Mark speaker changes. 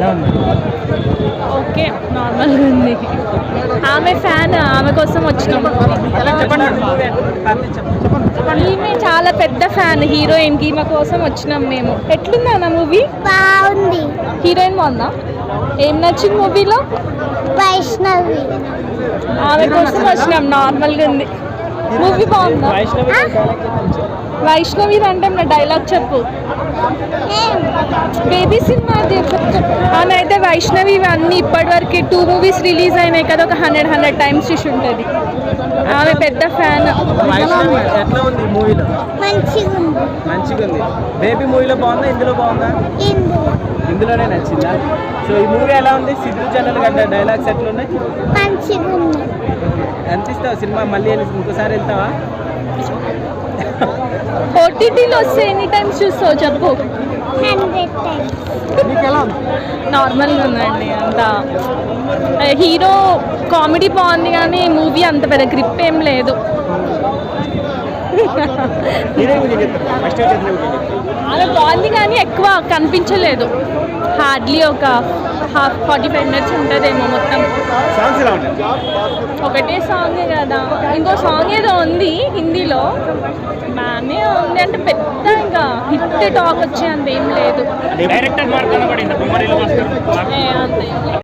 Speaker 1: Okay నార్మల్గా ఉంది. ఆమె ఫ్యాన్, ఆమె కోసం వచ్చినాం. ఈమె చాలా పెద్ద ఫ్యాన్ హీరోయిన్ కి, ఈమె కోసం వచ్చినాం మేము. ఎట్లుంది అన్న మూవీ?
Speaker 2: బాగుంది.
Speaker 1: హీరోయిన్ బాగుందా? ఏం నచ్చింది మూవీలో?
Speaker 2: వైష్ణవి.
Speaker 1: ఆమె కోసం వచ్చినాం. నార్మల్గా ఉంది. మూవీ బాగుందా? వైష్ణవి అంటే నా డైలాగ్ చెప్పు. బేబీ సినిమా అని అయితే వైష్ణవి అన్ని ఇప్పటివరకు 2 మూవీస్ రిలీజ్ అయినాయి కదా, ఒక 100 టైమ్స్ చూసి ఉంటుంది. ఆమె పెద్ద ఫ్యాన్.
Speaker 3: ఎట్లా ఉంది మూవీలో? మంచిగా ఉంది. బేబీ మూవీలో బాగుందా, ఇందులో బాగుందా? ఇందులోనే నచ్చిందా? సో ఈ మూవీ ఎలా ఉంది? సిద్ధు జనరల్ గడ్డ డైలాగ్స్ ఎట్లా ఉన్నాయి? ఎంత ఇస్తావు సినిమా? మళ్ళీ ఇంకోసారి వెళ్తావా?
Speaker 1: ఓటీటీలో వస్తే ఎనీ టైమ్స్ చూస్తావు చెప్పు. నార్మల్గా ఉందండి. అంత హీరో కామెడీ బాగుంది కానీ మూవీ అంత పెద్ద గ్రిప్ ఏం లేదు. అలా బాగుంది కానీ ఎక్కువ కనిపించలేదు. హార్డ్లీ ఒక 45 మినిట్స్ ఉంటుందేమో మొత్తం. ఒకటే సాంగే కదా. ఇంకో సాంగ్ ఏదో ఉంది హిందీలో, బాగానే ఉంది. అంటే పెద్ద ఇంకా హిట్ టాక్ వచ్చే అంత ఏం లేదు.